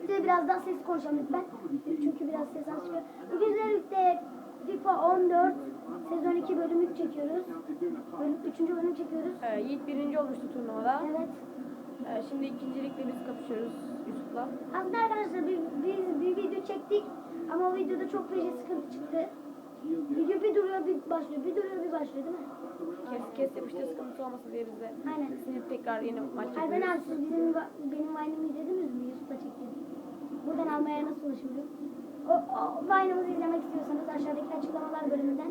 birlikte biraz daha ses konuşalım lütfen. Çünkü biraz ses az çıkıyor. Bugün sizlerle birlikte FIFA 14 sezon 2 bölüm 3 çekiyoruz. Bölüm 3. bölüm çekiyoruz. Yiğit birinci olmuştu turnuvada. Evet. Şimdi ikincilikle biz kapışıyoruz Yusuf'la. Aslında arkadaşlar biz bir video çektik ama o videoda çok feci sıkıntı çıktı. Video bir duruyor bir başlıyor, bir duruyor bir başlıyor değil mi? Kes yapıştı sıkıntı olmasın diye biz de Aynen. silip tekrar yeni maç Hayır ben yapıyoruz. abi siz benim Vine'ımı izlediniz mi? Yusuf'la çektim. Buradan almaya nasıl ulaşabilirim? O Vine'ımızı izlemek istiyorsanız aşağıdaki açıklamalar bölümünden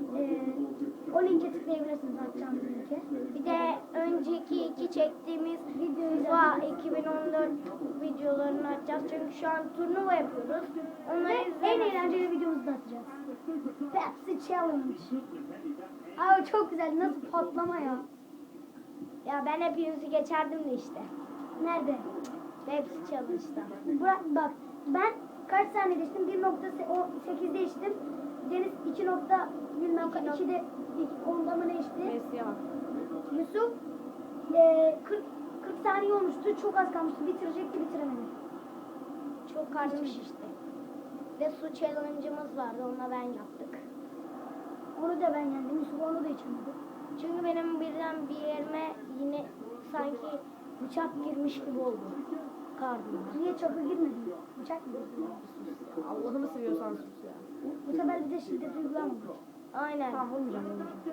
o linke tıklayabilirsiniz, atacağım linke. Bir de önceki iki çektiğimiz FIFA 2014 videolarını açacağız. Çünkü şu an turnuva yapıyoruz. Onları Ve en eğlenceli videomuzu da atacağız. Pepsi Challenge. Abi çok güzel, nasıl patlama ya. Ya ben hepinizi geçerdim de işte. Nerede? Hepsi Challenge'da. Bak ben kaç saniye geçtim? 1.8'de içtim. Deniz 2.2'de 10'da mı ne içti? Messi'ye bak. Yusuf 40 saniye olmuştu. Çok az kalmıştı. Bitirecekti, bitiremedi. Çok karnım şişti. Ve su challenge'ımız vardı. Onunla ben yaptık. Onu da ben yendim. Yusuf onu da içemedi. Çünkü benim birden bir yerime yine sanki bıçak girmiş gibi oldu. Karnıma. Niye çakı girmedi? Bıçak mı girdi? Allah'ını seviyorsan sus ya. Bu sefer bize şiddet uygulamamış. Aynen. Tamam vurmayacağım.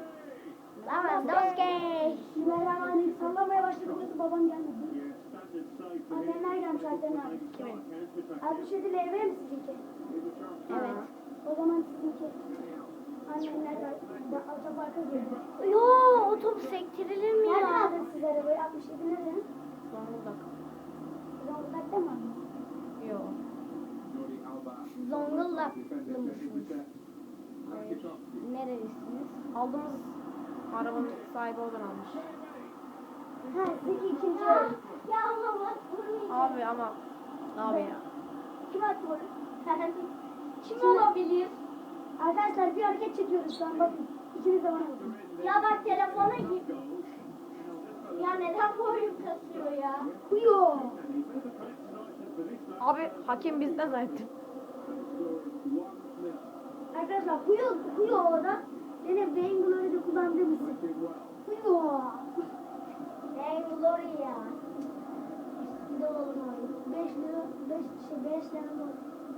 Lewandowski. Bismillahirrahmanirrahim. Sallamaya başladı. Burası babam gelmedi. Annemler gelmiş Alperen abi. Kimin? 67 LV mi sizinki? Evet. O zaman sizinki. Annemler de otoparka girdi. Yo, o top sektirilir mi Nereden ya? aldın siz arabayı? 67 nereden? Zonguldak. Zonguldak'ta mı aldın? Yo. Zonguldaklı mısınız? Hayır. Nerelisiniz? Aldığımız arabanın sahibi oradan almış. Ha, sizinki ikinci. Ya ama bak vurmayacağım. Abi ama abi ya. Kim attı onu? Kim olabilir? Arkadaşlar bir hareket çekiyoruz şu an bakın. İkiniz de bana bakın. Ya bak telefona git. Ya neden bu oyun kasıyor ya? Huyo. Abi hakem bizden zannettim. Arkadaşlar huyo o da. Benim Beyin Glory'de kullandığım isim. Huyo. Hey Glory ya. Bir de olalım abi. 5 lira, 5 lira mı?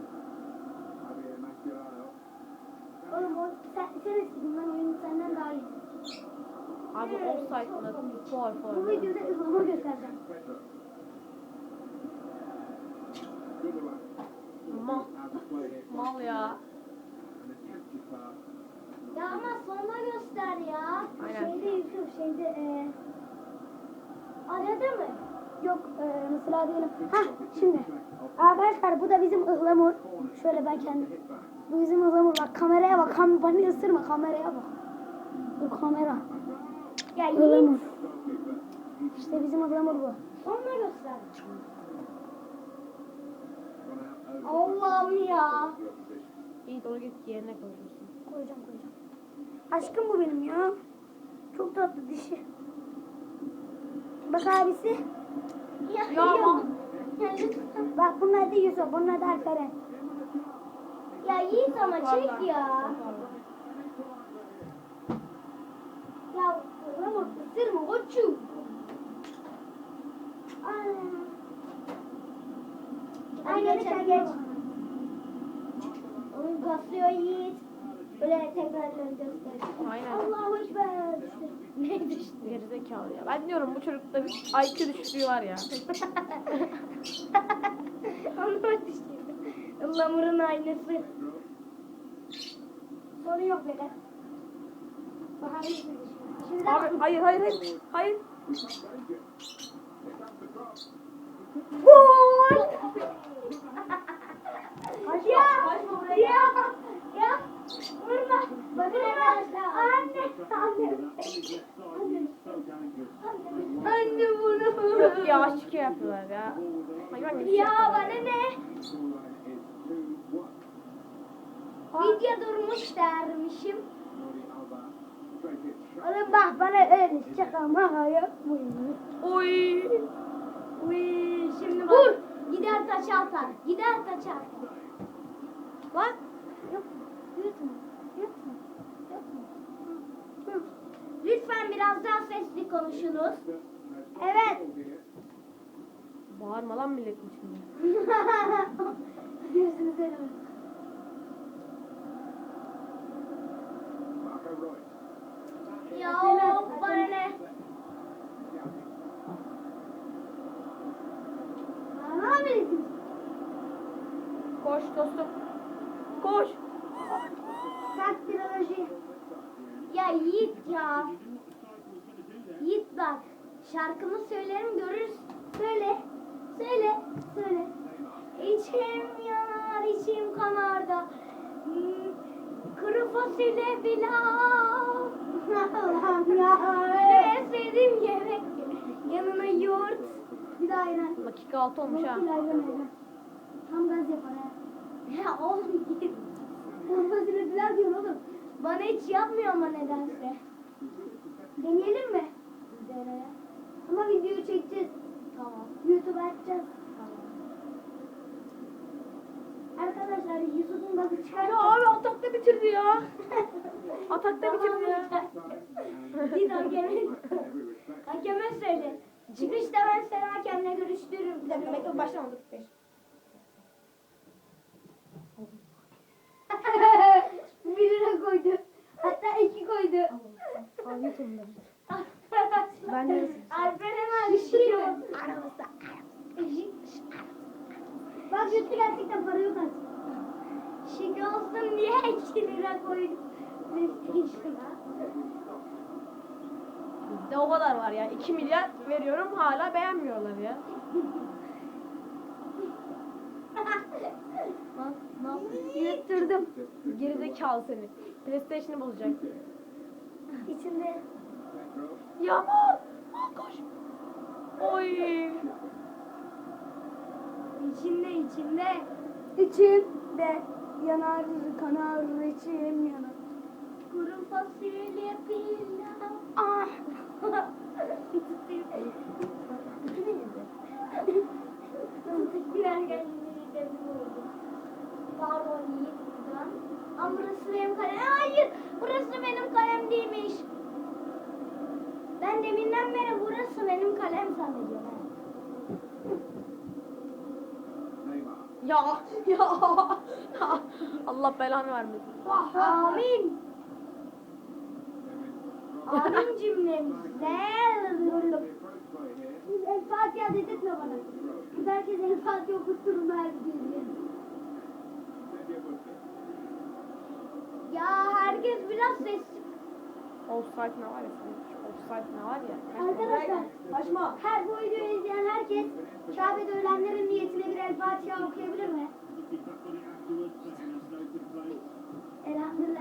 Oğlum sen eskidin, ben oyunu senden daha iyi. Abi offside'la Bu foul. videoda ıhlamur göstereceğim. Mal ya. Ya ama sonra göster ya. Aynen. Şeyde Yusuf, Arada mı? yok mesela diyelim. Hah şimdi. Arkadaşlar bu da bizim ıhlamur. Şöyle ben kendim. Bu bizim ıhlamur. Bak kameraya bak. Bana ısırma, kameraya bak. Bu kamera. Ya Ihlamur. İşte bizim ıhlamur bu. Sonra göster. Allah'ım ya. İyi doğru git yerine koyacaksın. Koyacağım. Aşkım bu benim ya. Çok tatlı dişi. Bak abisi. Ya, Ya ama. Ya lütfen. Bak bunun adı Yusuf. Bunun adı Alperen. Ya Yiğit ama çek ya. Ya ıhlamur ısırma koçum. Aynen geç. Oyun kasıyor Yiğit. Böyle tekrarları göster. Aynen. Allahu Ekber. Ne düştü? Gerizekalı ya. Ben diyorum bu çocukta bir IQ düşüklüğü var ya. Anlama düştü. Ihlamurun aynısı. Sorun yok beyler. Bakarız. Şimdi Abi hayır. Hayır. gol. Ya. Vurma. Bakın arkadaşlar. Anne bunu. Yok ya aşk yapıyorlar ya. Hayvan gibi şey Ya yapıyorlar. bana ne? Video durmuş dermişim. Oğlum bak bana öyle şaka maka yapmayın. Oy. Uy, şimdi bak. Vur. Gider taça atar. Gider taça atar. Lan. Yok. Yutma. Yutma. Yutma. Hı. Lütfen biraz daha sesli konuşunuz. Evet. Bağırma lan milletin içinde. Yüzünü söyleme. Ya bana ne? Ne yapıyorsun? Koş dostum. Koş. Taktiroloji. Ya Yiğit ya. Yiğit bak. Şarkımı söylerim görürüz. Söyle. Söyle. Söyle. İçim yanar, içim kanar da kuru fasulye pilav. Allah'ım ya. En sevdiğim yemek. Yanına yoğurt. Bir daha ayran. Dakika 6 olmuş ha. Bir ayran ayran. Tam gaz yapar ha. Ya oğlum git. Fasulye pilav diyorsun oğlum. Bana hiç yapmıyor ama nedense. Deneyelim mi? Dene. Ama videoyu çekeceğiz. Tamam. YouTube'a atacağız. Tamam. Arkadaşlar Yusuf'un gazı çıkar. Ya abi atakta bitirdi ya. Atakta bitirdi ya. Git hakeme söyle. Çıkışta ben seni hakemle görüştürürüm. Bir dakika bekle başlamadık. Bir lira koydu. Hatta 2 koydu. Abi sonunda. Ben de- Alper hemen Bir şey yok. Aramızda. Bak yuttu gerçekten para yok artık. Şık olsun diye 2 lira koydum. PlayStation'a. Bizde o kadar var ya. 2 milyar veriyorum hala beğenmiyorlar ya. Lan ne yapıyorsun? Yutturdum. Gerizekalı seni. PlayStation'ı bozacak. İçinde Yağmur! Koş! Oy! içinde yanar kanar içim yanar. Kuru fasulye pilav. Ah. Gülerken midemi vurdu. Pardon Yiğit buradan. Ama burası benim kalem. Hayır! Burası benim kalem değilmiş. Ben deminden beri burası benim kalem zannediyorum. Ya! Ya! Allah belanı vermesin. Amin. Amin cümlemizde. El Fatiha dedirtme bana. Biz herkes El Fatiha okutturun her gün. Ya herkes biraz sessiz. Offside ne var ya sen? Şu offside ne var ya? Arkadaşlar Kaçma! her bu videoyu izleyen herkes Kabe'de ölenlerin niyetine bir El Fatiha okuyabilir mi? Elhamdülillah.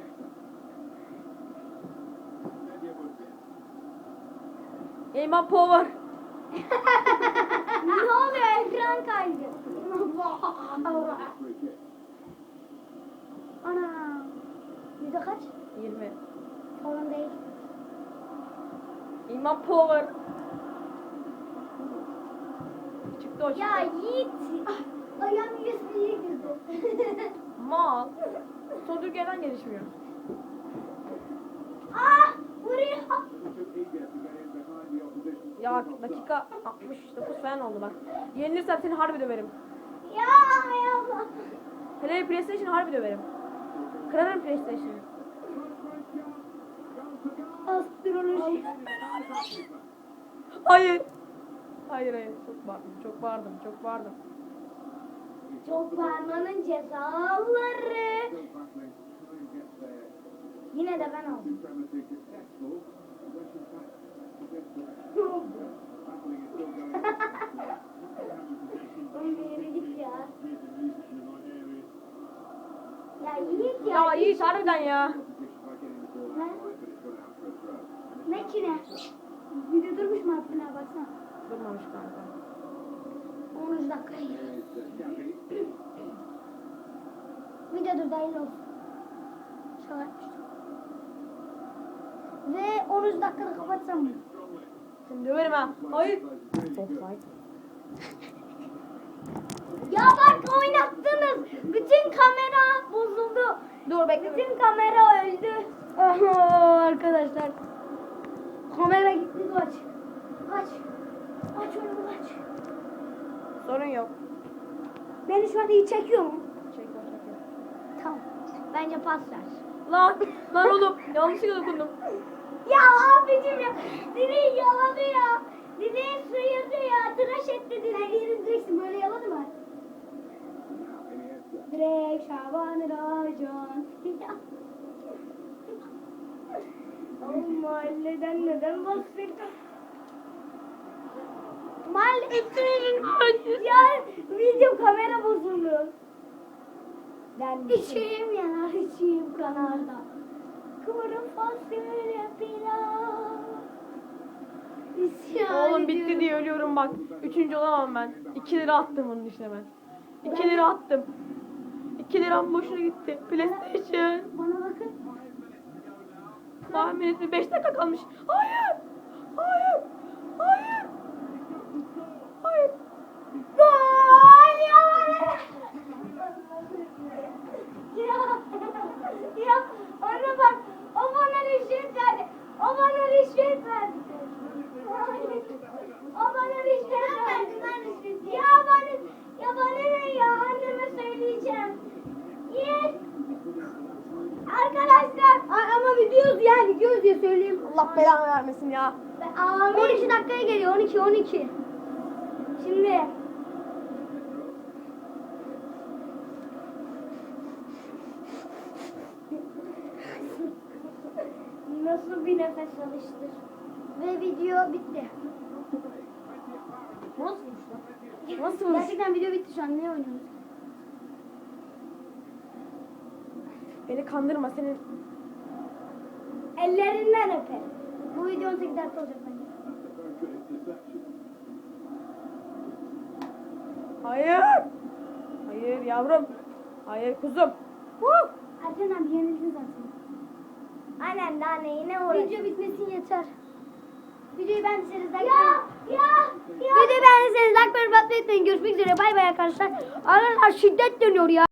Eyman Power! Ne oluyor? Ekran kaydı. Ana. Yüzde kaç? 20. Sorun değil. Eyman Power! Çıktı o çıktı. Ya Yiğit. Ayağım USB'ye girdi. Mal. Sodürgeden gelişmiyor. Ah! Vuruyor. Ya dakika 69 falan oldu bak. Yenilirsem seni harbi döverim. Ya ya. Hele PlayStation harbi döverim. Kırarım PlayStation'ı. Astroloji. Hayır. Hayır hayır. Çok bağırdım. Çok bağırdım. Çok bağırdım. Çok bağırmanın cezaları. Yine de ben aldım. Yürü git ya. Ya Yiğit ya. Ya iyi harbiden ya. Ne ki ne? Video durmuş mu hakkına baksana. Durmamış kanka. 13 dakika. Video dur dahil olsun. Şaka yapmıştım. Ve 13 dakikada kapatsam mı? Seni döverim ha. Hayır. Offside. Ya bak oynattınız. Bütün kamera bozuldu. Dur bekle. Bütün kamera öldü. Aha, arkadaşlar. Kamera gitti, kaç. Kaç. Aç onu, kaç. Sorun yok. Beni şu an iyi çekiyor mu? Çekiyor. Tamam. Bence pas ver. Lan oğlum yanlışlıkla dokundum. Ya abicim ya. Direği yaladı ya. Direği sıyırdı ya. Tıraş etti direği. Yeri direksin böyle yaladı mı? Direk Şaban Racan. Oğlum mahalleden neden bahsettin? Ya video kamera bozuldu. İçim yanar, içim kanar da. Kuru fasulye pilav. İsyan Oğlum bitti ediyorum. diye ölüyorum bak. 3. olamam ben. 2 lira attım onun içine ben. 2 lira attım. 2 liram boşuna gitti. PlayStation. Bana bakın. Tahmin etme 5 dakika kalmış. Hayır. Hayır. Hayır. Hayır. Gol ya! Ya ona bak, o bana rüşvet verdi. O bana rüşvet verdi. O bana rüşvet verdi. Ya bana ne ya? Anneme söyleyeceğim. Yes. Arkadaşlar. Ama gidiyoruz yani, gidiyoruz diye söyleyeyim. Allah belanı vermesin ya. Amin. 12 dakikaya geliyor, 12. Şimdi. Nasıl bir nefes alıştır. Ve video bitti. Nasılmış lan? Nasılmış? Gerçekten video bitti şu an. Ne oynuyoruz? Beni kandırma senin. Ellerinden öperim. Bu video 18 dakika olacak bence. Hayır. Hayır yavrum. Hayır kuzum. Erken abi yenildin zaten. Aynen, daha ne yine uğraşıyor. Video bitmesin yeter. Videoyu beğendiyseniz like Videoyu beğendiyseniz like ve yorum atmayı unutmayın. Görüşmek üzere. Bay bay arkadaşlar. Arkadaşlar şiddet dönüyor ya.